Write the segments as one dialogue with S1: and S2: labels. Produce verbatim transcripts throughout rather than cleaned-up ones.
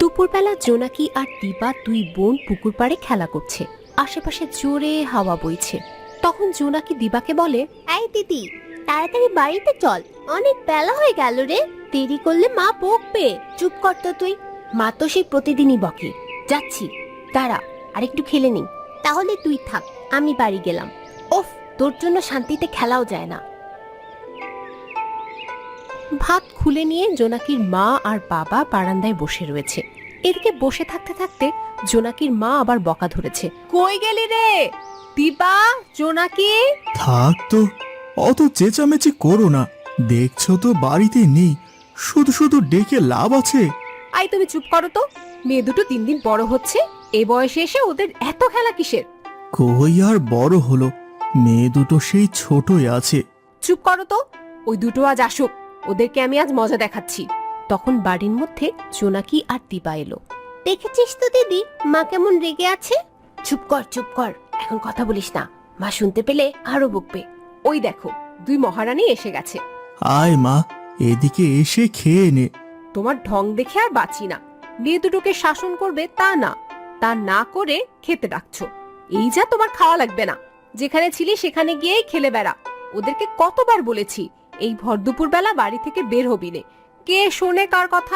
S1: দুপুরবেলা জোনাকি আর দিবা দুই বোন পুকুর পাড়ে খেলা করছে। আশেপাশে জোরে হাওয়া বইছে। তখন জোনাকি দিবাকে বলে,
S2: এই দিদি, তাড়াতাড়ি বাড়িতে চল, অনেক বেলা হয়ে গেল রে। দেরি করলে মা বকবে।
S1: চুপ কর তো তুই, মা তো সেই প্রতিদিনই বকে। যাচ্ছি, দাঁড়া আর একটু খেলে নিই।
S2: তাহলে তুই থাক, আমি বাড়ি গেলাম।
S1: ওফ, তোর জন্য শান্তিতে খেলাও যায় না। ভাত খুলে নিয়ে জোনাকির মা আর বাবা বারান্দায় বসে রয়েছে। এদিকে বসে থাকতে থাকতে জোনাকির মা আবার বকা ধরেছে। কই গেলি রে দিবা? জোনাকি,
S3: থাক তো, অত চেঁচামেচি করো না। দেখছো তো বাড়িতে নেই, শুধু শুধু ডেকে লাভ আছে?
S1: আই তুমি চুপ করো তো। মেয়ে দুটো দিন দিন বড় হচ্ছে, এ বয়সে এসে ওদের এত খেলা কিসের?
S3: কই আর বড় হলো, মেয়ে দুটো সেই ছোটই আছে।
S1: চুপ করো তো, ওই দুটো আজ আসুক, ওদেরকে আমি আজ মজা দেখাচ্ছি। তখন বাড়ির মধ্যে জোনাকি আর দিবা এলো।
S2: দেখেছিস তো দিদি, মা কেমন রেগে আছে।
S1: চুপ কর চুপ কর, এখন কথা বলিস না, মা শুনতে পেলে আরো বকবে। ওই দেখো, দুই মহারানী এসে গেছে।
S3: আয় মা, এদিকে এসে খেয়ে নে।
S1: তোমার ঢং দেখে আর বাঁচি না। মেয়ে দুটোকে শাসন করবে তা না, তা না করে খেতে ডাকছো। এই যা তোমার খাওয়া লাগবে না, যেখানে ছিলি সেখানে গিয়েই খেলে বেড়া। ওদেরকে কতবার বলেছি এই ভর দুপুর বেলা বাড়ি থেকে বের হবি নে। কে শোনে কার কথা?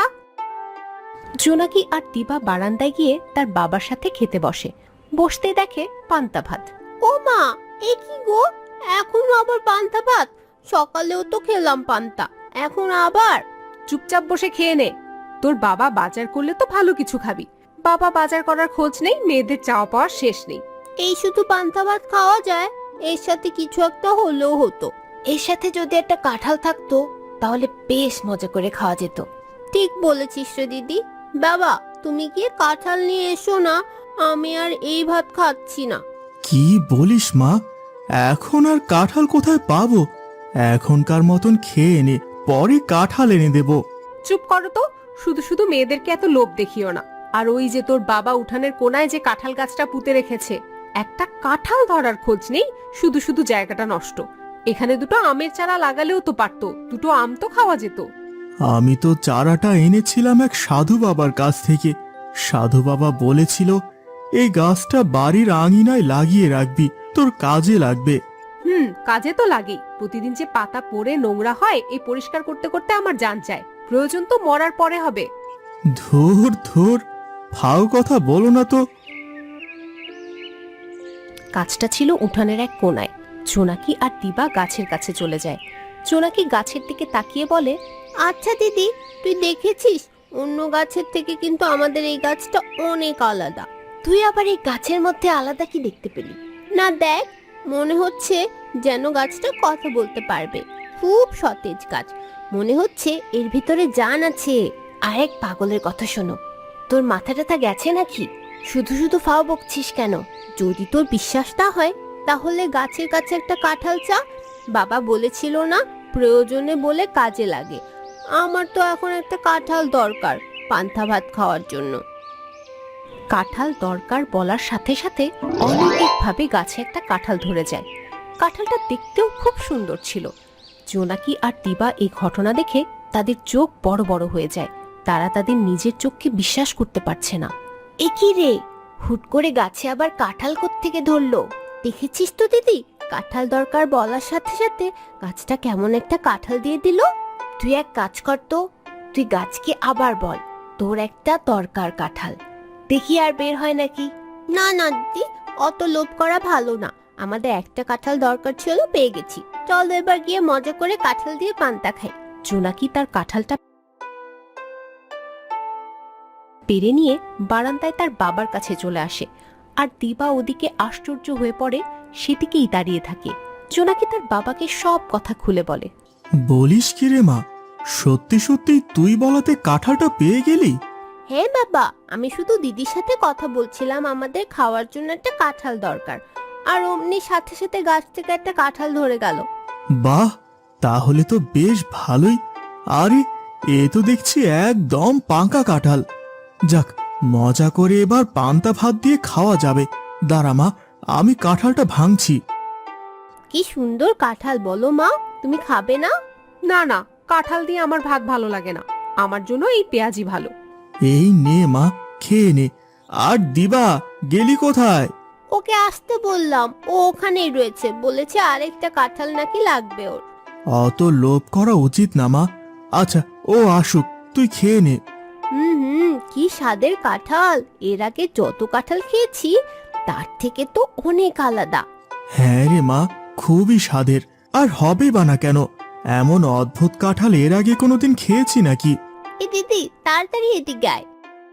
S1: জোনাকি আর দিবা বারান্দায় গিয়ে তার বাবার সাথে খেতে বসে। বসতে দেখে পান্তা ভাত।
S2: ও মা, এ কি গো, এখন আবার পান্তা ভাত? সকালেও তো খেলাম পান্তা, এখন আবার?
S1: চুপচাপ বসে খেয়ে নে। তোর বাবা বাজার করলে তো ভালো কিছু খাবি। বাবা বাজার করার খোঁজ নেই, মেয়েদের চাওয়া পাওয়ার শেষ নেই।
S2: এই শুধু পান্তা ভাত খাওয়া যায়? এর সাথে কিছু একটা হলেও হতো।
S1: এর সাথে যদি একটা কাঁঠাল থাকতো তাহলে বেশ মজা করে খাওয়া যেত।
S2: ঠিক বলেছিস রে দিদি। বাবা, তুমি গিয়ে কাঁঠাল নিয়ে এসো না, আমি আর এই ভাত খাচ্ছি না।
S3: কি বলিস মা, এখন আর কাঁঠাল কোথায় পাবো? এখনকার মতন খেয়ে নে, পরে কাঁঠাল এনে দেব।
S1: চুপ করো তো, শুধু শুধু মেয়েদেরকে এত লোভ দেখিও না। আর ওই যে তোর বাবা উঠানের কোনায় যে কাঁঠাল গাছটা পুঁতে রেখেছে, একটা কাঁঠাল ধরার খোঁজ নেই, শুধু শুধু জায়গাটা নষ্ট। এখানে দুটো আমের চারা লাগালেও তো পারতো, দুটো আম তো খাওয়া যেত।
S3: আমি তো চারাটা এনেছিলাম এক সাধু বাবার কাছ থেকে। সাধু বাবা বলেছিল এই গাছটা বাড়ির আঙিনায় লাগিয়ে রাখবি, তোর কাজে লাগবে।
S1: হুম, কাজে তো লাগেই। প্রতিদিন যে পাতা পড়ে নোংরা হয়, এই পরিষ্কার করতে করতে আমার জান চায়। প্রয়োজন তো মরার পরে হবে।
S3: ধুর ধুর, ফাও কথা বলো না তো।
S1: গাছটা ছিল উঠানের এক কোনায়। জোনাকি আর দিবা গাছের কাছে চলে যায়। জোনাকি গাছের দিকে তাকিয়ে বলে,
S2: আচ্ছা দিদি, তুই দেখেছিস অন্য গাছের থেকে কিন্তু আমাদের এই গাছটা অনেক আলাদা।
S1: তুই আবার এই গাছের মধ্যে আলাদা কি দেখতে পেলি?
S2: না দেখ, মনে হচ্ছে যেন গাছটা কথা বলতে পারবে। খুব সতেজ গাছ, মনে হচ্ছে এর ভিতরে জান আছে।
S1: আর এক পাগলের কথা শোনো, তোর মাথা টাথা গেছে নাকি? শুধু শুধু ফাও বকছিস কেন?
S2: যদি তোর বিশ্বাস না হয় তাহলে গাছের কাছে একটা কাঁঠাল চা। বাবা বলেছিল না, প্রয়োজনে বলে কাজে লাগে। আমার তো এখন একটা কাঁঠাল দরকার পান্তা ভাত খাওয়ার জন্য।
S1: কাঁঠাল দরকার বলার সাথে সাথে অলৌকিকভাবে গাছে একটা কাঁঠাল ধরে যায়। কাঁঠালটা দেখতেও খুব সুন্দর ছিল। জোনাকি আর দিবা এই ঘটনা দেখে তাদের চোখ বড় বড় হয়ে যায়। তারা তাদের নিজের চোখকে বিশ্বাস করতে পারছে না।
S2: এ কি রে, হুট করে গাছে আবার কাঁঠাল কোত্থেকে ধরলো? দেখেছিস তো দিদি, কাঁঠাল দরকার বলার সাথে সাথে গাছটা কেমন একটা কাঁঠাল দিয়ে দিল।
S1: তুই এক কাজ কর তো, তুই গাছকে আবার বল তোর একটা দরকার কাঁঠাল, দেখি আর বের হয় নাকি।
S2: না না দিদি, অত লোভ করা ভালো না। আমাদের একটা কাঁঠাল দরকার ছিল, পেয়ে গেছি। চলো এবার গিয়ে মজা করে কাঁঠাল দিয়ে পান্তা খাই।
S1: জোনাকি তার কাঁঠালটা পেরে নিয়ে বারান্দায় তার বাবার কাছে চলে আসে। আর দিবা ওদিকে আশ্চর্য হয়ে পড়ে, সেদিকেই দাঁড়িয়ে থাকে। জোনাকি তার বাবাকে সব কথা খুলে বলে।
S3: বলিস কি রে মা, সত্যি সত্যি তুই বলাতে কাঁঠালটা পেয়ে গেলি?
S2: হ্যাঁ বাবা, আমি শুধু দিদির সাথে কথা বলছিলাম, আমাদের খাওয়ার জন্য একটা কাঁঠাল দরকার, আর অমনি সাথে সাথে গাছ থেকে একটা কাঁঠাল ধরে গেল।
S3: বাহ, তাহলে তো বেশ ভালোই। আরে, এ তো দেখছি একদম পাকা কাঁঠাল। যাক, মজা করে এবার পান্তা ভাত দিয়ে খাওয়া যাবে। দাঁড়া মা, আমি কাঁঠালটা ভাঙছি।
S2: কি সুন্দর কাঁঠাল বলো মা, তুমি খাবে না?
S1: না না, কাঁঠাল দিয়ে আমার ভাত ভালো লাগে না, আমার জন্য এই পেঁয়াজি ভালো।
S3: এই নে মা, খেয়ে নে। আর দিবা, গেলি কোথায়?
S2: ওকে আসতে বললাম, ও ওখানেই রয়েছে, বলেছে আরেকটা কাঁঠাল নাকি লাগবে ওর।
S3: অত লোভ করা উচিত না মা। আচ্ছা, ও আসুক, তুই খেয়ে নে।
S2: হুম হুম কি স্বাদের কাঁঠাল! এর আগে যত কাঁঠাল খেয়েছি তার থেকে তো অনেক আলাদা।
S3: হ্যাঁ রে মা, খুবই স্বাদের। আর হবে বা না কেন, এমন অদ্ভুত কাঁঠাল এর আগে কোনোদিন খেয়েছি নাকি?
S2: এ দিদি, তাড়াতাড়ি এদিকে আয়।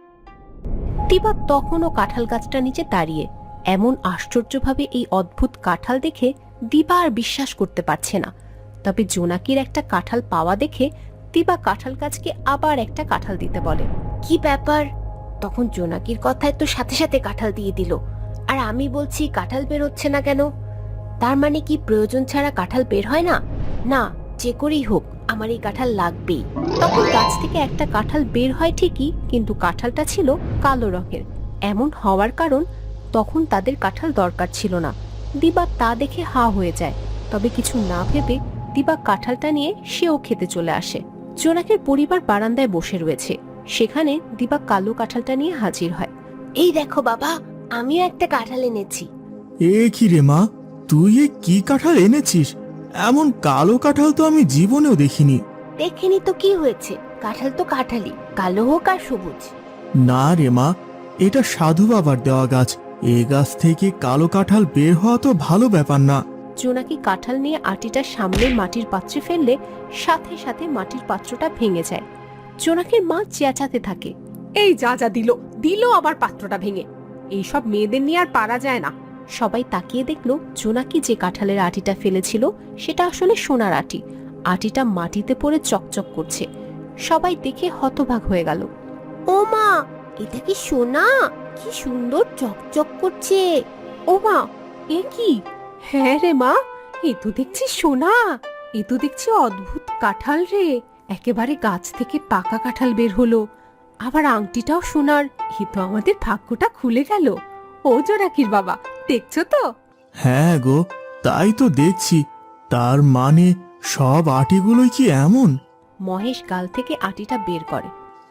S1: দিবা তখনও কাঁঠাল গাছটার নিচে দাঁড়িয়ে। এমন আশ্চর্যভাবে এই অদ্ভুত কাঁঠাল দেখে দিবা আর বিশ্বাস করতে পারছে না। তবে জোনাকির একটা কাঁঠাল পাওয়া দেখে দিবা কাঁঠাল গাছকে আবার একটা কাঁঠাল দিতে বলে। কি ব্যাপার? তখন জোনাকির কথায় তো সাথে সাথে কাঁঠাল দিয়ে দিল, আর আমি বলছি কাঁঠাল বের হচ্ছে না কেন? তার মানে কি প্রয়োজন ছাড়া কাঁঠাল বের হয় না? না, যে করেই হোক আমার এই কাঁঠাল লাগবেই। তখন গাছ থেকে একটা কাঁঠাল বের হয় ঠিকই, কিন্তু কাঁঠালটা ছিল কালো রঙের। এমন হওয়ার কারণ তখন তাদের কাঁঠাল দরকার ছিল না। দিবা তা দেখে হা হয়ে যায়। তবে কিছু না ভেবে দিবা কাঁঠালটা নিয়ে সেও খেতে চলে আসে। জোনাকের পরিবার বারান্দায় বসে রয়েছে, সেখানে দিবা কালো কাঁঠালটা নিয়ে হাজির হয়। এই দেখো বাবা, আমিও একটা কাঁঠাল এনেছি।
S3: এ কি রে মা, তুই এ কি কাঁঠাল এনেছিস? এমন কালো কাঁঠাল তো আমি জীবনেও দেখিনি।
S2: দেখেনি তো কি হয়েছে, কাঁঠাল তো কাঁঠালই, কালো হোক আর সবুজ।
S3: না রে মা, এটা সাধু বাবার দেওয়া গাছ। এ গাছ থেকে কালো কাঁঠাল বের হওয়া তো ভালো ব্যাপার না।
S1: জোনাকি কাঁঠাল নিয়ে আটিটা সামনে মাটির পাত্রে ফেললে সাথে সাথে মাটির পাত্রটা ভেঙে যায়। জোনাকির মা চেঁচাতে থাকে, এই যা যা দিল দিল আবার পাত্রটা ভেঙে। এইসব মেয়েদের নিয়ে আর পারা যায় না। সবাই তাকিয়ে দেখলো জোনাকি যে কাঁঠালের আটিটা ফেলেছিল সেটা আসলে সোনার আটি। আটিটা মাটিতে পড়ে চকচক করছে। সবাই দেখে হতবাক হয়ে গেল।
S2: ও মা, এটা কি সোনা? কি সুন্দর চকচক করছে।
S1: ও মা, এ কি? হ্যাঁ রে মা, এ তো দেখছি সোনা। এ তো দেখছি অদ্ভুত কাঁঠাল রে। একেবারে গাছ থেকে পাকা কাঁঠাল বের হলো, আবার আংটিটাও সোনার। এ তো আমাদের ভাগ্যটা খুলে গেল। ও জোনাকির বাবা, দেখছো তো?
S3: হ্যাঁ গো, তাই তো দেখছি। তার মানে সব আটিগুলোই কি এমন?
S1: মহেশ গাল থেকে আটিটা বের করে।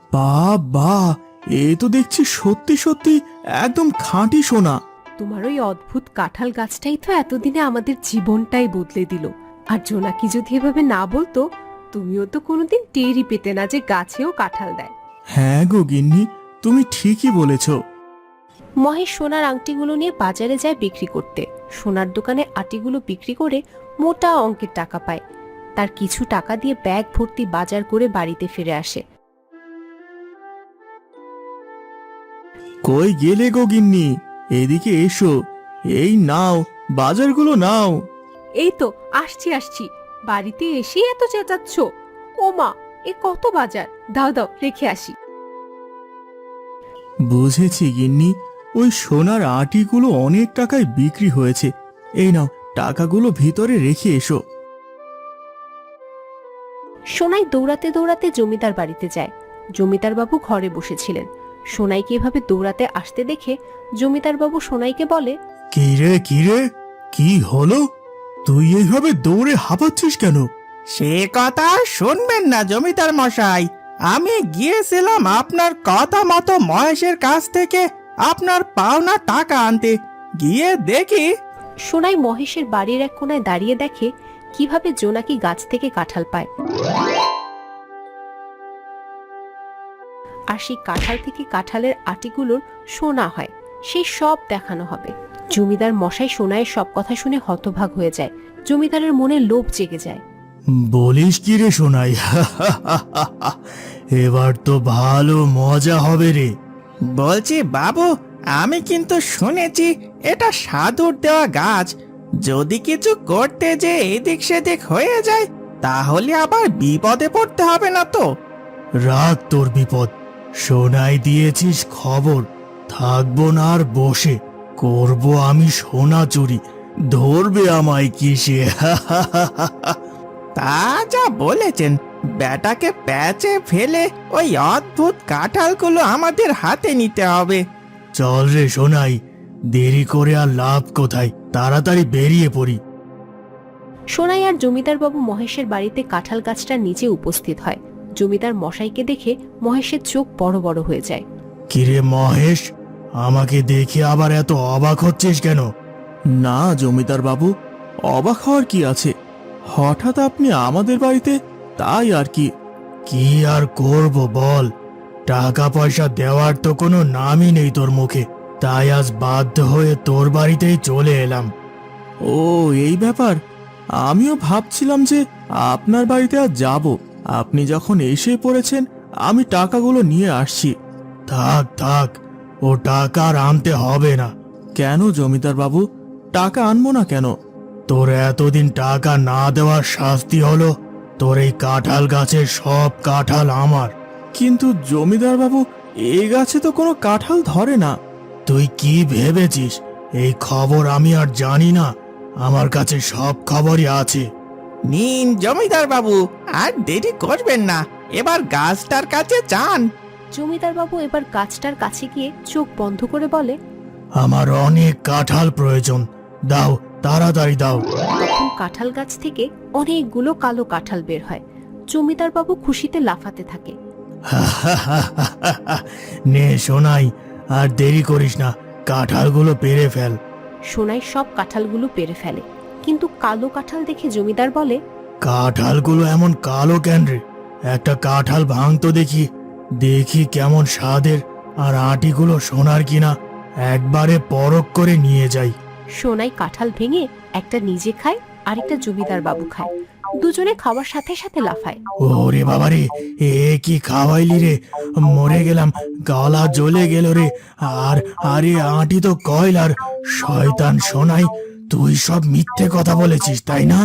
S3: বাবা, এ তো দেখছি সত্যি সত্যি একদম খাঁটি সোনা।
S1: তোমার ওই অদ্ভুত কাঁঠাল গাছটাই তো এতদিনে আমাদের জীবনটাই বদলে দিল। আর জোনাকি যদি এভাবে না বলতো, তুমিও তো কোনোদিন টেরই পেতে না যে গাছেও কাঁঠাল দেয়।
S3: হ্যাঁ গো গিন্নি, তুমি ঠিকই বলেছ।
S1: মহেশ সোনার আংটিগুলো নিয়ে বাজারে যায় বিক্রি করতে। সোনার দোকানে আটিগুলো বিক্রি করে মোটা অঙ্কের টাকা পায়। তার কিছু টাকা দিয়ে ব্যাগ ভর্তি বাজার করে বাড়িতে ফিরে আসে।
S3: কই গেলে গো গিন্নি, এদিকে এসো। এই নাও, বাজারগুলো নাও।
S1: এই তো আসছি আসছি, বাড়িতে এসে এত চেঁচাচ্ছ? ও মা, এ কত বাজার! দাও দাও, রেখে আসি।
S3: বুঝেছি গিন্নি, ওই সোনার আটিগুলো অনেক টাকায় বিক্রি হয়েছে। এই নাও, টাকাগুলো ভিতরে রেখে এসো।
S1: সোনাই দৌড়াতে দৌড়াতে জমিদার বাড়িতে যায়। জমিদার বাবু ঘরে বসেছিলেন। সোনাইকে এভাবে দৌড়াতে আসতে দেখে জমিদার বাবু সোনাইকে বলে,
S3: কিরে কিরে, কি হলো? তুই এইভাবে দৌড়ে হাঁপাচ্ছিস কেন?
S4: সে কথা শুনবেন না জমিদার মশাই, আমি গিয়েছিলাম আপনার কথা মতো মহেশের কাছ থেকে আপনার পাওনা টাকা আনতে। গিয়ে দেখি
S1: সোনাই মহেশের বাড়ির এক কোনায় দাঁড়িয়ে দেখে কিভাবে জোনাকি গাছ থেকে কাঁঠাল পায়। আর সেই কাঁঠাল থেকে কাঁঠালের আটিগুলোর সোনা হয়, সেই সব দেখানো হবে। জমিদার মশাই সোনাইয়ের সব কথা শুনে হতভাগ হয়ে যায়। জমিদারের মনে লোভ জেগে যায়।
S3: বলিস কি রে সোনাই, এবার তো ভালো মজা হবে রে।
S4: বলছি বাবু, আমি কিন্তু শুনেছি এটা সাধুর দেওয়া গাছ। যদি কিছু করতে যে এদিক সেদিক হয়ে যায় তাহলে আবার বিপদে পড়তে হবে না তো?
S3: রাখ তোর বিপদ। সোনাই দিয়েছিস খবর, থাকবো না আর বসে। করব আমি সোনা চুরি, ধরবে আমায় কিসে?
S4: তা যা বলেছেন, বেটাকে প্যাচে ফেলে ওই অদ্ভুত কাঁঠালগুলো আমাদের হাতে নিতে হবে।
S3: চল রে সোনাই, দেরি করে আর লাভ কোথায়, তাড়াতাড়ি বেরিয়ে পড়ি।
S1: সোনাই আর জমিদার বাবু মহেশের বাড়িতে কাঁঠাল গাছটার নিচে উপস্থিত হয়। জমিদার মশাইকে দেখে মহেশের চোখ বড় বড় হয়ে যায়।
S3: কিরে মহেশ, আমাকে দেখে আবার এত অবাক হচ্ছিস কেন? না জমিদার বাবু, অবাক হওয়ার কি আছে? হঠাৎ আপনি আমাদের বাড়িতে, তাই আর কি। কি আর করব বল, টাকা পয়সা দেওয়ার তো কোনো নামই নেই তোর মুখে, তাই আজ বাধ্য হয়ে তোর বাড়িতেই চলে এলাম। ও এই ব্যাপার, আমিও ভাবছিলাম যে আপনার বাড়িতে আজ যাব। আপনি যখন এসে পড়েছেন, আমি টাকাগুলো নিয়ে আসছি। থাক থাক, ও টাকা আর আনতে হবে না। কেন জমিদার বাবু, টাকা আনবো না কেন? তোর এতদিন টাকা না দেওয়ার শাস্তি হলো তোর এই কাঁঠাল গাছের সব কাঁঠাল আমার। কিন্তু জমিদার বাবু, এই গাছে তো কোনো কাঁঠাল ধরে না। তুই কি ভেবেছিস এই খবর আমি আর জানি না? আমার কাছে সব খবরই আছে।
S4: নিন জমিদার বাবু, আর দেরি করবেন না, এবার গাছটার কাছে যান।
S1: জমিদার বাবু এবার গাছটার কাছে গিয়ে চোখ বন্ধ করে বলে,
S3: আমার অনেক কাঁঠাল প্রয়োজন, দাও তাড়াতাড়ি দাও।
S1: তখন কাঁঠাল গাছ থেকে অনেকগুলো কালো কাঁঠাল বের হয়। জমিদার বাবু খুশিতে লাফাতে থাকে।
S3: নে সোনাই, আর দেরি করিস না, কাঁঠালগুলো পেরে ফেল।
S1: সোনাই সব কাঁঠালগুলো পেরে ফেলে, কিন্তু কালো কাঁঠাল দেখে জমিদার বলে,
S3: কাঁঠালগুলো এমন কালো কেন রে? একটা কাঁঠাল ভাঙতো দেখি, দেখি কেমন স্বাদের, আর আটিগুলো সোনার কিনা একবারে পরখ করে নিয়ে যাই।
S1: সোনাই কাঁঠাল ভেঙে একটা নিজে খায়, আরেকটা জমিদার বাবু খায়। দুজনে খাওয়ার সাথে সাথে লাফায়।
S3: ওরে বাবারে, এ কি খাওয়াইলি রে? মরে গেলাম, গলা জ্বলে গেল রে। আর আরে আঁটি তো কয়লার। শয়তান সোনাই, তুই সব মিথ্যে কথা বলেছিস তাই না?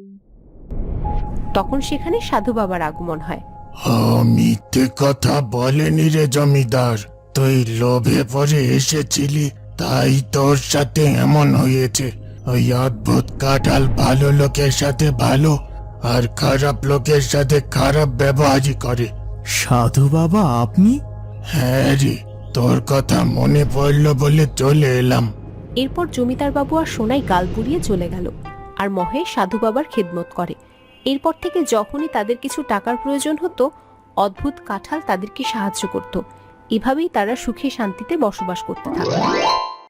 S1: তখন সেখানে সাধু বাবার আগমন হয়।
S3: মিথ্যে কথা বলেনি রে জমিদার, তুই লোভে পড়ে এসেছিলি, তাই তোর সাথে এমন হয়েছে। ওই অদ্ভুত কাঁঠাল ভালো লোকের সাথে ভালো আর খারাপ লোকের সাথে খারাপ ব্যবহারই করে। সাধু বাবা আপনি? হ্যাঁ রে, তোর কথা মনে পড়লো বলে চলে এলাম।
S1: এরপর জমিদার বাবু আর সোনাই গাল পুড়িয়ে চলে গেল, আর মহেশ সাধু বাবার খেদমত করে। এরপর থেকে যখনই তাদের কিছু টাকার প্রয়োজন হতো, অদ্ভুত কাঁঠাল তাদেরকে সাহায্য করত। এভাবেই তারা সুখে শান্তিতে বসবাস করতে থাকে।